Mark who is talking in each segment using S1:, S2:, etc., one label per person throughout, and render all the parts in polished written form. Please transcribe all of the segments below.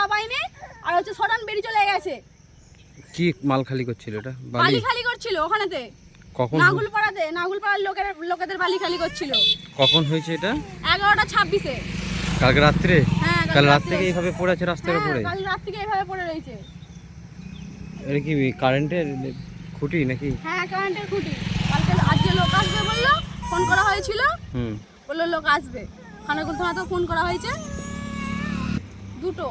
S1: টাকা পাইনি, আর হচ্ছে সডান বেরিয়ে চলে গেছে।
S2: কি মাল খালি করছিল এটা?
S1: বালি খালি করছিল ওখানেতে।
S2: কখন?
S1: নাগুলপাড়ার লোকেদের বালি খালি করছিল।
S2: কখন হয়েছে এটা?
S1: 11:26-এ।
S2: কালকে রাত্রে?
S1: হ্যাঁ,
S2: কাল রাত থেকে এইভাবে পড়ে আছে রাস্তার উপরে?
S1: কাল রাত থেকে এইভাবে পড়ে রয়েছে।
S2: এটা কি কারেন্টের খুঁটি নাকি?
S1: হ্যাঁ, কারেন্টের খুঁটি। আজকে লোক আসবে বললো, ফোন করা হয়েছিল। বললো লোক আসবে। খানাকুল থানাতেও ফোন করা হয়েছে, দুটো।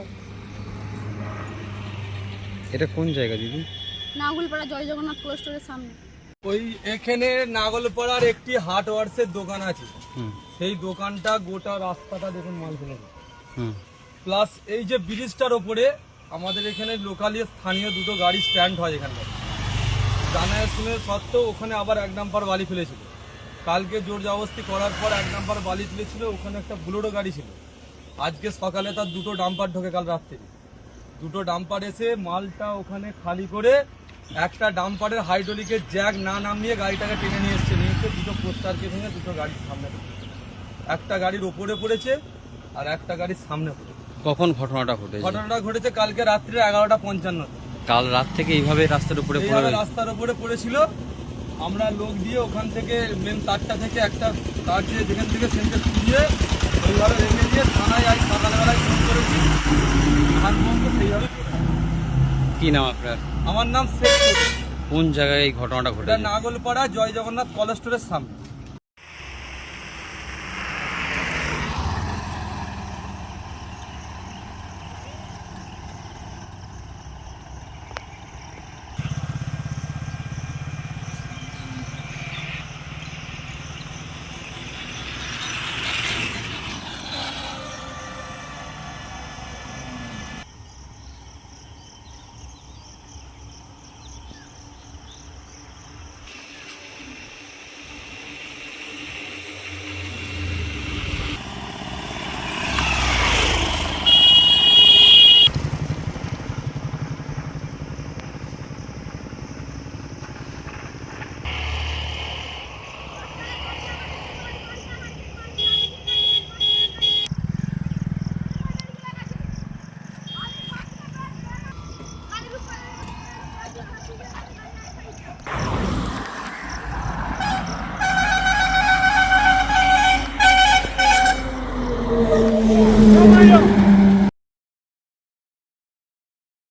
S2: এটা কোন জায়গা দিদি?
S1: নাগুলপাড়া জয় জগন্নাথ কোল্ড স্টোরের সামনে।
S3: ওই এখানে নাগলপাড়ার একটি হার্ডওয়ার্সের দোকান আছে, সেই দোকানটা গোটা রাস্তাটা দেখুন মাল ফেলে। প্লাস এই যে ব্রিজটার ওপরে আমাদের এখানে লোকালি স্থানীয় দুটো গাড়ি স্ট্যান্ড হয় এখানকার, জানা শুনে সত্ত্বেও ওখানে আবার 1 নাম্বার বালি ফেলেছিল। কালকে জোর জবরদস্তি করার পর 1 নাম্বার বালি তুলেছিল, ওখানে একটা বুলোরো গাড়ি ছিল। আজকে সকালে তার দুটো ডাম্পার ঢোকে, কাল রাত্রে দুটো ডাম্পার এসে মালটা ওখানে খালি করে একটা ডাম্পারের হাইড্রোলিকের জ্যাক না নামিয়ে গাড়িটাকে টেনে নিয়ে এসছে। দুটো পোস্টারকে ভেঙে দুটো গাড়ির সামনে পড়েছে, একটা গাড়ির ওপরে পড়েছে আর একটা গাড়ির সামনে পড়েছে।
S2: কখন ঘটনাটা ঘটেছে?
S3: ঘটনাটা ঘটেছে কালকে রাত্রে 11:55।
S2: কাল রাত থেকে এইভাবে রাস্তার উপরে
S3: রাস্তার উপরে পড়েছিল। আমরা লোক দিয়ে ওখান থেকে মেন তারটা থেকে একটা তার দিয়ে যেখান থেকে সেন্টার খুঁজে ওইভাবে রেখে দিয়ে থানায় আজ সকালবেলায় ফোন করেছি, আর সেইভাবে।
S2: কি নাম আপনার?
S3: আমার নাম শেখ।
S2: কোন জায়গায় এই ঘটনাটা ঘটেছে?
S3: নাগলপাড়া জয় জগন্নাথ কলেজ স্টোরের সামনে।